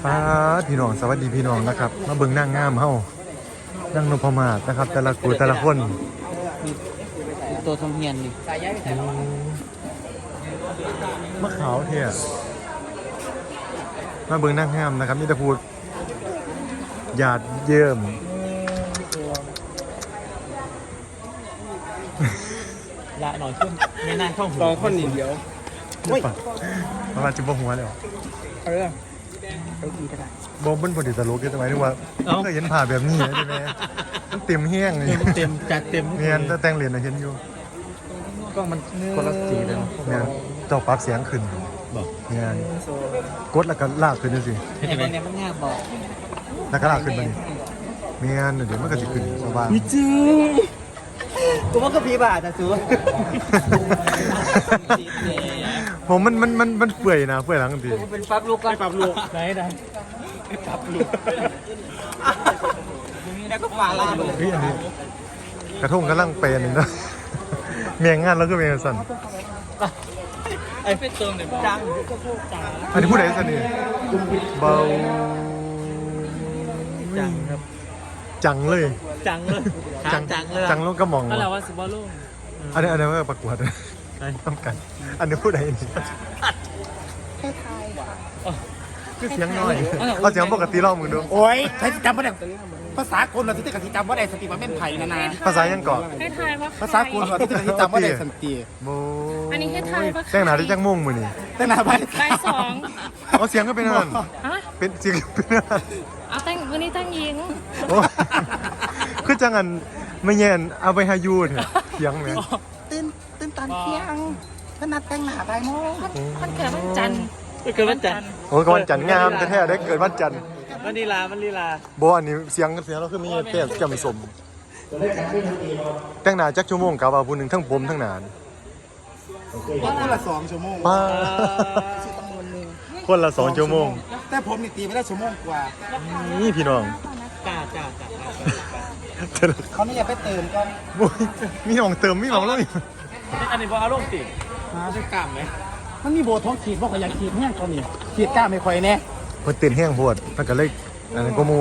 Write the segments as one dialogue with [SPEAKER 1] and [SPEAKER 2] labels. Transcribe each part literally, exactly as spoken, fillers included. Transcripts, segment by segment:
[SPEAKER 1] ป้าพี่น้องสวัสดีพี่น้องนะครับมาเบิ่งนางงามเฮานั่งนพมาศนะครับแต่ละกูแต่ละคน
[SPEAKER 2] มีตัวทำเฮียนนี่
[SPEAKER 1] มะขาวเท่มาเบิ่งนางงามนะครับนี่จะพูดหยาดเยิ้ม
[SPEAKER 2] ละหน่อยขึ้นในนานช่องหัว
[SPEAKER 3] สองคนนี่เดียว
[SPEAKER 1] มามาจิบหัวเลย
[SPEAKER 3] เออเอาดีก็ได้
[SPEAKER 1] บอมเป็นพอดีตลกทำไมถึงว่าเคยเห็นผ่าแบบนี้ใช่ไหมมันเต็มแห้งเลย
[SPEAKER 2] เต็มจัดเต็ม
[SPEAKER 1] เนี่ยแต่งเหรียญนะเห็นอยู่
[SPEAKER 2] ก็มันคนละสีเลย
[SPEAKER 1] เนี่ยเจ้าปรับเสียงขึ้น
[SPEAKER 2] บอก
[SPEAKER 1] เนี่ยกดแล้วก็ลากขึ้นดูสิ
[SPEAKER 2] เห็นไหมเนี่ยมันง่ายบอก
[SPEAKER 1] แล้วก็ลากขึ้นไปนี่เมียนเดี๋ยวมันก็จะขึ้นสบาย
[SPEAKER 2] วิจิกูว่าก็พีบาทนะจู
[SPEAKER 1] ผมมันมันมันมันเปื่อยนะเปื่อยหลังที
[SPEAKER 2] เป็นปั๊บลูกก็ปั๊บลูกไหนไหนปั๊บลูกแล้วก็ฟ้าลาลูก
[SPEAKER 1] พี่อันนี้กระทงกำลังเป็นเลยนะเมียงงานแล้วก็เมียสั่น
[SPEAKER 2] ไอ้เป็นเติมเลยจัง
[SPEAKER 1] อันนี้พูดอะไรสั่นนี่เบา
[SPEAKER 2] จังครับ
[SPEAKER 1] จังเลย
[SPEAKER 2] จังเลย
[SPEAKER 1] จัง
[SPEAKER 2] จังเลย
[SPEAKER 1] จังลูกก็มอง
[SPEAKER 2] อะไรวะสิบอลลูก
[SPEAKER 1] อันนี้อันนี้ว่าประกวดต้องกันอันนี้พูดอะไรนี่คือเสียงน้อยเอาเสียงปกติเล่ามึงดู
[SPEAKER 3] โอ้ยใช้จำไม่ได้ภาษาคนเราที่จะกติจำว่าได้สติมาเป็นไผ่นะนะ
[SPEAKER 1] ภาษายังเกาะ
[SPEAKER 3] ภาษาคนเราที่จะกติจำว่าได้สติ
[SPEAKER 1] โม
[SPEAKER 4] อันนี้ให้ไทยปะ
[SPEAKER 1] แต่งหนาที่จังม่วงมือนี่
[SPEAKER 3] แต่งหนาไป
[SPEAKER 4] ใบสอง
[SPEAKER 1] เอาเสียงก็เป็นนั่นเป็นเสียงเป็นนั่น
[SPEAKER 4] เอาแต่งวันนี้แต่งยิง
[SPEAKER 1] คือจังอันไม่เย็นเอาไปให้ยูเถอะเสียงไหม
[SPEAKER 3] ตื่นตื่นตอนเที่ยงขนาดแต่งหนาไปโม่
[SPEAKER 4] มันเกิดวันจันทร์
[SPEAKER 2] เกิดวันจันทร์
[SPEAKER 1] โอ้ยวันจันทร์งามแท้ๆได้เกิดวันจันทร์
[SPEAKER 2] มันลีลามันลีลา
[SPEAKER 1] โบอันนี้เสียงเสียงเราคือมีเต้นจำสมแต่งหนาจักชั่วโมงกับว่าผู้หนึ่งทั้งผมทั้งนาน
[SPEAKER 3] คนละสองชั่วโมง
[SPEAKER 1] ป้าคนละสองชั่วโมง
[SPEAKER 3] แต่ผมนี่ตีไม่ได้ชั่วโมงกว่า
[SPEAKER 1] นี่พี่น้อง
[SPEAKER 2] จ้าจ้าจ้า
[SPEAKER 3] เขาไม่อยากไปเติมก็
[SPEAKER 1] มีน้องเติมมีน้องแล้ว
[SPEAKER 2] อันนี้พออารมณ์ติดมาด้วยกล้ามไหม
[SPEAKER 3] มันมีโบท้องขีดเพราะเขาอยากขีดแห้งเขานี่ขีดกล้ามไม่ค่อยแน่
[SPEAKER 1] มันติดแห้งปวดมันก็เลยอันนั้นก็มู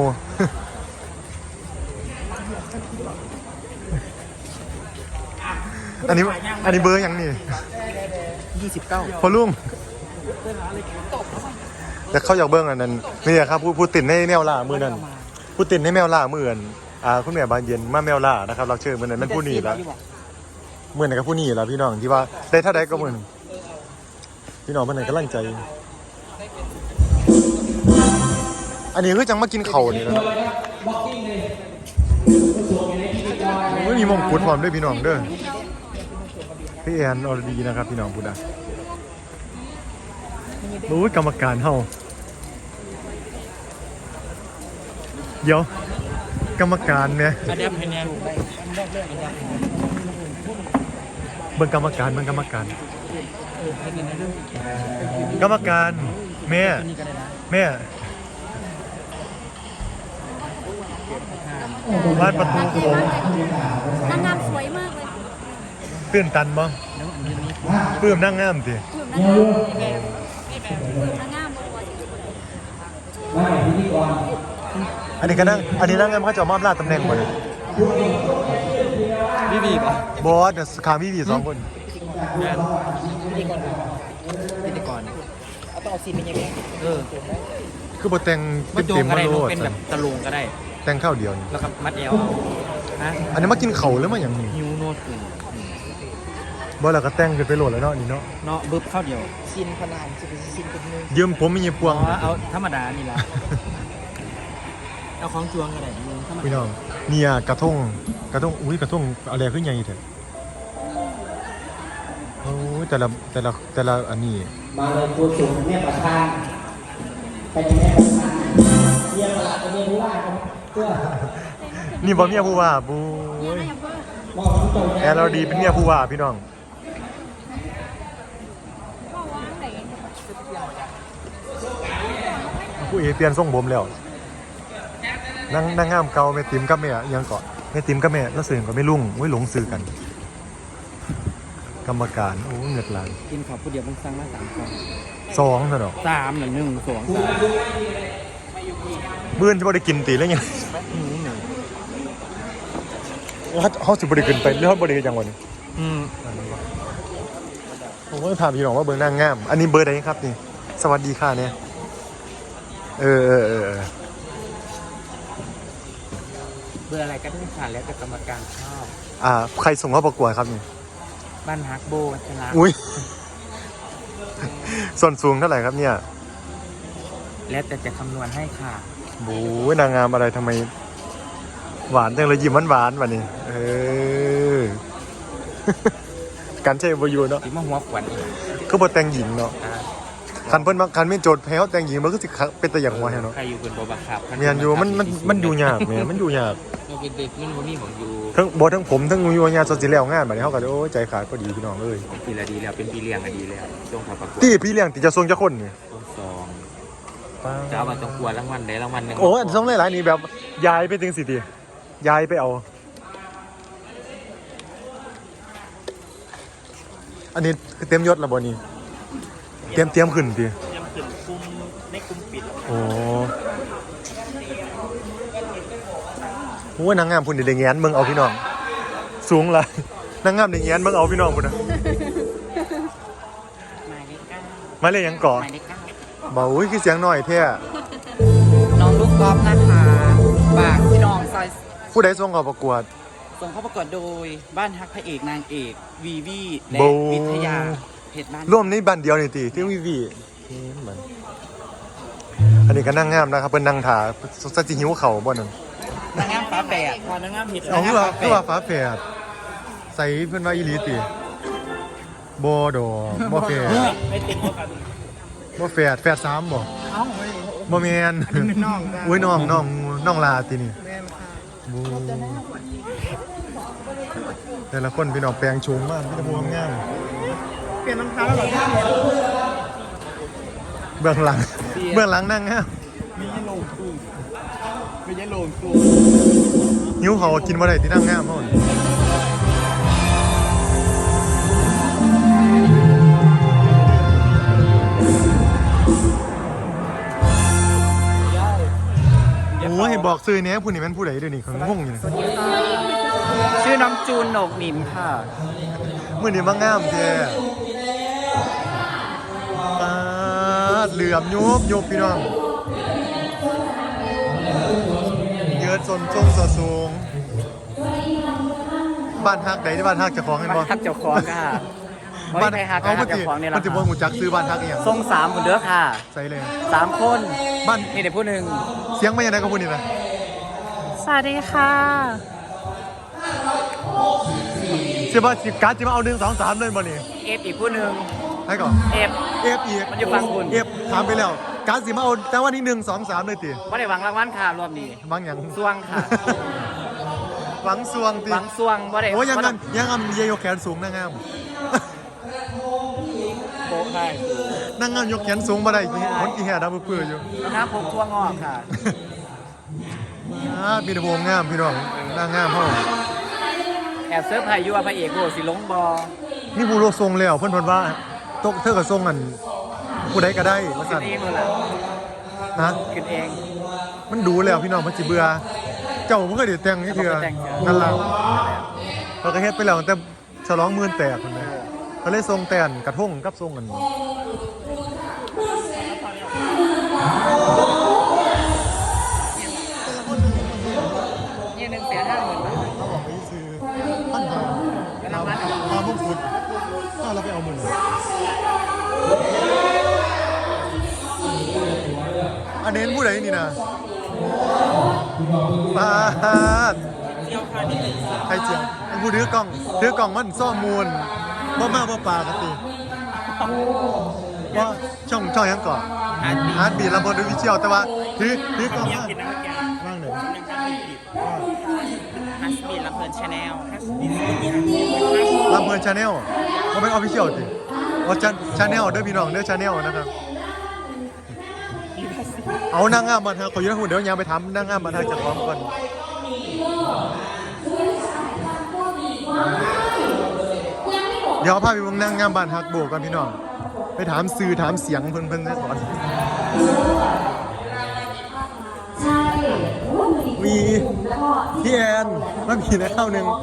[SPEAKER 1] อันนี้อันนี้เบอร์ยังนี่
[SPEAKER 3] ยี่สิบเก้า
[SPEAKER 1] พอลุงแต่เขาอยากเบิ้งอันนั้นนี่ครับพูดพูดติดในแมวล่ามือนั้นพูดติดในแมวล่ามืออันอ่าคุณแม่บานเย็นมาแมวล่านะครับเราเชิญมือนั้นมันผู้หนีแล้วมือนั้นก็ผู้หนีแล้วพี่น้องที่ว่าได้เท่าใดก็มือพี่น้องมันไหนกำลังใจอันนี้คือจังมากินเข่านี่นะไม่มีมงกุฎพร้อมด้วยพี่น้องเด้อพี่แอนอรดีนะครับพี่น้องพูดอ่ะรู้กรรมการเฮาเดี๋ยวกรรมการเนี่ยเบิ่งกรรมการเบิ่งกรรมการกรรมการแม่แม่วาดประตูโค้ง
[SPEAKER 4] นางงามสวยมากเลย
[SPEAKER 1] ตื่นตันมั้งเพิ่มนางงามสิอันนี้ก็นั่งอันนี้นางงามเขาจะมอบลาดตำแหน่งหมดเลย
[SPEAKER 2] บีบีป่ะ
[SPEAKER 1] บอสเดี๋ยวขาบีบีสองคน
[SPEAKER 2] พิธีกรเอาต้องเอาซีนเป็นยังไงเออ
[SPEAKER 1] คือบทแต่งเต็มๆมาโลด
[SPEAKER 2] เป็นแบบตะลุงก็ได้
[SPEAKER 1] แต่งข้าวเดียว
[SPEAKER 2] แล้วก็มัดเอวฮะ
[SPEAKER 1] อันนี้มากินเข่าหรือมาอย่างนี้
[SPEAKER 2] ฮิวโนดคื
[SPEAKER 1] บ่แล้วก็แต่งกันไปโหลดแล้วเนาะนี่เนาะ
[SPEAKER 2] เนาะบึ้บข้าวเดียวซินพนานจะเป็นซินเป็นมือ
[SPEAKER 1] ยืมผมมีเงี้ยพวง
[SPEAKER 2] เอาธรรมดานี่ละเอาของจวงก็ได้
[SPEAKER 1] พี่น้องเนี่ยกระทงกระทงอุ้ยกระทงอะไรขึ้นใหญ่เถอะโอ้ยแต่ละแต่ละแต่ละอันนี้
[SPEAKER 3] มาเลยตัวสูงแม่ประธานไปแม่ประธานเยี่ยมละไปเยี่ยมผู้ว่าเพื่อ
[SPEAKER 1] นี่บ่เมียผู้ว่าบูแอร์เราดีเป็นเมียผู้ว่าพี่น้องผู้เอเปลี่ยนทรงผมแล้วนั่งนั่งงามเก่าแม่ติ๋มกับแม่ยังเกาะแม่ติ๋มกับแม่แล้วสื่อก็ไม่ลุ่งไม่หลงสื่อกันกรรมการโอ้เงือกหลาน
[SPEAKER 2] กินข้าวผู้เดียวมันสั่งมาสามคน
[SPEAKER 1] สองเท่านั้น
[SPEAKER 2] สามหนึ่งหนึ่งสองสาม
[SPEAKER 1] บื้นจะบ่ได้กินตีแล้วไงเขาเขาสิบ่ได้ขึ้นไปหรือเขาบ่ได้จังหวะนี้
[SPEAKER 2] อืม
[SPEAKER 1] ผมก็ถามพี่น้องว่าเบอร์นางงามอันนี้เบอร์ไหนครับนี่สวัสดีค่ะเนี่ยเออเออเออ
[SPEAKER 2] เบอร์อะไรก็ได้ค่ะแล้วแต่กรรมการชอบ
[SPEAKER 1] อ่าใครส่งเข้าประกวดครับนี่
[SPEAKER 2] บ้านฮักโบวัชระ
[SPEAKER 1] อุ้ยส่วนสูงเท่าไหร่ครับเนี่ย
[SPEAKER 2] แล้วแต่จะคำนวณให้ค่ะ
[SPEAKER 1] บู๊นางงามอะไรทำไมหวานจังเลยยิ้มหวานๆวันนี้เออ การใช้บอยูเนาะ
[SPEAKER 2] ที่มาหัวขวัญอีก
[SPEAKER 1] ก็บอแต่งหญิงเนาะ
[SPEAKER 2] อ่า
[SPEAKER 1] คันเพิ่นมาคันไม่โจทย์แพ้วแต่งหญิงมันก็สิเป็นแต่อย่างหัวแฮะเนาะ
[SPEAKER 2] ใครอยู่บนบบักขับ
[SPEAKER 1] เมียนอยู่มันมันมันอยู่ยากแหม่มันอยู่ยาก
[SPEAKER 2] เราเป็นเด็กมันบ่มีของอยู่
[SPEAKER 1] ทั้งบ่ทั้งผมทั้งอยู่ยากสดสิแล้วงานบัดนี้เฮาก็เลยโอ้ยใจขาดพอดีพี่น้องเอ้ย
[SPEAKER 2] ปีละดีแล้วเป็นปีเลี้ยงอะดีแล้วช่วงเขาประกวด
[SPEAKER 1] ที่พี่เลี้ยงติจะส่งจักคนนี่
[SPEAKER 2] ช่วงสองจะเอามาต้องกลัวรางวัลได้รางวัลหนึ่ง
[SPEAKER 1] โอ้ยส่งหลายๆนี่แบบยายไปถึงสิติยายไปเอา อันนี้คือเต็มยศแล้วบ่นี่เตรียมเตรียมขึ้นติ
[SPEAKER 2] ยังขึ้นคุมในคุมปิด
[SPEAKER 1] โอ้โหนางงามพุ่นได้แงนเบิ่งเอาพี่น้องสูงหลายนางงามได้แงนเบิ่งเอาพี่น้องพุ่นน่ะ
[SPEAKER 2] หมายเลขเก้า
[SPEAKER 1] มาเลยหยังเกาะ
[SPEAKER 2] หมายเลขเก้า
[SPEAKER 1] บ่อุ้ยคือเสียงน้อยแท้
[SPEAKER 2] น้องลูกกอล์ฟนะคะฝากพี่น้องซอย
[SPEAKER 1] ผู้ใดส่งเข้าประกวด
[SPEAKER 2] ส่งเข้าประกวดโดยบ้านฮักพระเอกนางเอกวีวีและ
[SPEAKER 1] โบ
[SPEAKER 2] วิทยาเพชรบ้าน
[SPEAKER 1] ร่วมในบ้านเดียวนี่ติที่วีวีเหมือนอันนี้ก็นางงามนะครับเพิ่นนั่งถ่าสักสิหิวข้าวบ่นั่น
[SPEAKER 2] นางงามฟ้าแปดพอนางงามเพชร
[SPEAKER 1] เอาคือว่าคือว่าฟ้าแฝดใส่เพิ่นว่าอีหลีติบ่ดอกบ่แฝด
[SPEAKER 2] ไม่ติดพวกกัน
[SPEAKER 1] บ่แฝดแฝดสามบ่
[SPEAKER 2] เอ้าไม่
[SPEAKER 1] บ่แม่น
[SPEAKER 2] เป็นน้องจ้ะ
[SPEAKER 1] อุ้ยน้องน้องน้องลาตินี่
[SPEAKER 2] แม่ค่ะ
[SPEAKER 1] บูแต่ละคนพี่น้องแปลงโฉมมากพี่ตะบูงาม
[SPEAKER 2] เปลี่ยนรองเท้าแล้วเหรอ
[SPEAKER 1] เบื้องหลังเบื้องหลังนั่งงาม
[SPEAKER 2] มียะโลงตู้มียะโลงตู้
[SPEAKER 1] หิวเขาวกินบ่ได้ที่นั่งงามเฮานี่โอ้ยบอกซื้อแหน่ผู้นี้แม่นผู้ใดเดี๋ยวนี้เขางงอยู่นี่
[SPEAKER 2] ชื่อน้องจูนโหนกหนิมค่ะ
[SPEAKER 1] มื้อนี้มางามแท้ปาดเหลื่อมยุบยุบพี่น้องเยิดสนทรงสะสูงบ้านฮักใดที่บ้านฮักเจ้าของเห็นบ่
[SPEAKER 2] ทักเจ้าของค่ะ
[SPEAKER 1] บ้าน
[SPEAKER 2] ไม่ฮัก
[SPEAKER 1] เอา
[SPEAKER 2] ฮั
[SPEAKER 1] เมื่
[SPEAKER 2] ก
[SPEAKER 1] อ
[SPEAKER 2] เจ้า
[SPEAKER 1] กี้
[SPEAKER 2] ของเนี่ย
[SPEAKER 1] มันจะบ่ฮู้จักซื้อบ้านฮักอีหยัง
[SPEAKER 2] ทรงสามคนเด้อค่ะ
[SPEAKER 1] ใส่เลย
[SPEAKER 2] สามคน
[SPEAKER 1] บ้าน
[SPEAKER 2] นี่เด็กผู้หนึ่ง
[SPEAKER 1] เสียงมาอย่างไรก็พูดนี่นะ
[SPEAKER 4] สวัสดีค่ะ
[SPEAKER 1] เสียบ้าสิการ์ดจะมาเอาหนึ่งสองสามเลยบ่นี่
[SPEAKER 2] เอฟอีกผู้หนึ่ง
[SPEAKER 1] ให้ก่อน
[SPEAKER 2] เอฟ
[SPEAKER 1] เอฟอีก
[SPEAKER 2] มันอยู่ฝั่งคุณ
[SPEAKER 1] เอฟถามไปแล้ว การ์ดสิมาเอาแต่ว่านี่หนึ่งสองสามเลยติ
[SPEAKER 2] ไม่ได้หวังรางวัลค่ะรอบนี้
[SPEAKER 1] บางอย่าง
[SPEAKER 2] สวงค่ะ
[SPEAKER 1] หวังสวงติ
[SPEAKER 2] หวังสวงไม่ได้
[SPEAKER 1] โอ้ยยังงั้นยังงั้นเยยกแขนสูงนางงาม
[SPEAKER 2] โป๊ะค่ะ
[SPEAKER 1] นางงามยกแขนสูงมาได้คนกี่แห่ดาวเปื่ออยู่
[SPEAKER 2] น้ำผมทั่วงอกค่ะ
[SPEAKER 1] อ่าพี่ตะโบงงามพี่น้องนางงามเฮา
[SPEAKER 2] แอบเซิร์ฟไผ่ยัวพระเอกโบสิลงบอ
[SPEAKER 1] นี่ผู้โลกทรงแล้วเพิ่นเพิ่นว่าตกเธอก็ทรงกันผู้ใดก็ได้ว่า
[SPEAKER 2] ขึ้
[SPEAKER 1] ซั่
[SPEAKER 2] น
[SPEAKER 1] น
[SPEAKER 2] เองเลยล่ะ
[SPEAKER 1] นะ
[SPEAKER 2] ขึ้นเอง
[SPEAKER 1] มันดูแล้วพี่น้องมันสิเบื่อเจ้าบ่เคยได้แต่งนี่เถื่อนั่นล่ะเราก็เฮ็ดไปแล้วแต่ฉลองหมื่นแตกพุ่นแหละก็เลยส่งแต่นกระทงกับส่งกัน
[SPEAKER 2] เนี่ยหนึ่งแสนห้าหมื่นบาท
[SPEAKER 1] เขาบอกไปซื้อพันหา
[SPEAKER 2] เป็นรางวัลเหรอ
[SPEAKER 1] เอาพวกคุณถ้าเราไปเอาหมื่นอันเน้นผู้ใดนี่นะปาดใครเจียวไอ้ผู้ถือกล่องถือกล่องมันซ่อมมูลบ่มาบ่ปลากันติว่าช่องช่องยังก่อน
[SPEAKER 2] อาร์ต
[SPEAKER 1] ฮาร์ดบีทลำเพลินด้วยวิเชียวแต่ว่าถือถือกล่องมาว่างไหน
[SPEAKER 2] ฮัสบีลำเพลินชาแนล
[SPEAKER 1] ลำเพลินชาแนลมันเป็นออฟฟิเชียลติว่าชาแนลเด้อพี่น้องเด้อชาแนลนะครับเอานางงามมาทางขอยืนหุ่นเดี๋ยวยางไปทำนางงามมาทางจากพร้อมก่อนเดี๋ยวพาไปวงนางงามบ้านฮักโบกันพี่น้องไปถามสื่อถามเสียงเพิ่นเพิ่นก่อนมีพี่แอนมันมีในข้าวหนึ่ง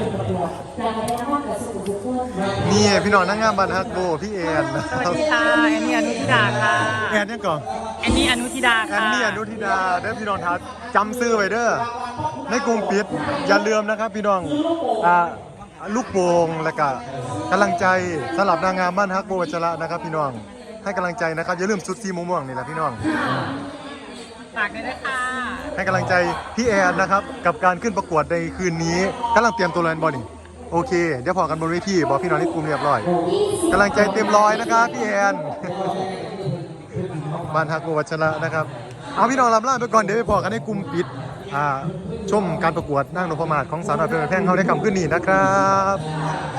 [SPEAKER 1] นี่พี่น้องนั่งงามบันฮักโบพี่แอนนะ
[SPEAKER 4] ส
[SPEAKER 1] ค
[SPEAKER 4] วัส
[SPEAKER 1] รับ
[SPEAKER 4] ดีค่ะแอนนี่อนุทิดาค่ะ
[SPEAKER 1] แอนเนี่ยก่อน
[SPEAKER 4] แอนนี่อนุทิดา
[SPEAKER 1] แอน
[SPEAKER 4] ค่ะ
[SPEAKER 1] นี่อนุทิดาเด้อพี่น้องทัดจำซื้อไว้เด้อในกรุงปิดอย่าลืมนะครับพี่น้องอ่าลูกโป่งแล้วก็กำลังใจสำหรับนางงามบ้านฮักโบวัชระนะครับพี่น้องให้กำลังใจนะครับอย่าลืมชุดสีม่วงๆนี่แหละพี่น้อง
[SPEAKER 4] ฝากด้วยนะคะ
[SPEAKER 1] ให้กำลังใจพี่แอนนะครับกับการขึ้นประกวดในคืนนี้กำลังเตรียมตัวแลนบอลนี่โอเคเดี๋ยวพอกันบนเวทีบอกพี่น้องในกลุ่มเรียบร้อยกำลังใจเต็มร้อยนะครับพี่แอนบ้านฮักโบวัชระนะครับเอาพี่น้องลำล่าไปก่อนเดี๋ยวไปพอกันในกลุ่มปิดอ่าชมการประกวดนั่งนพมาศของสาวน้อยเพลินแพงเขาได้คำขึ้นนี่นะครับ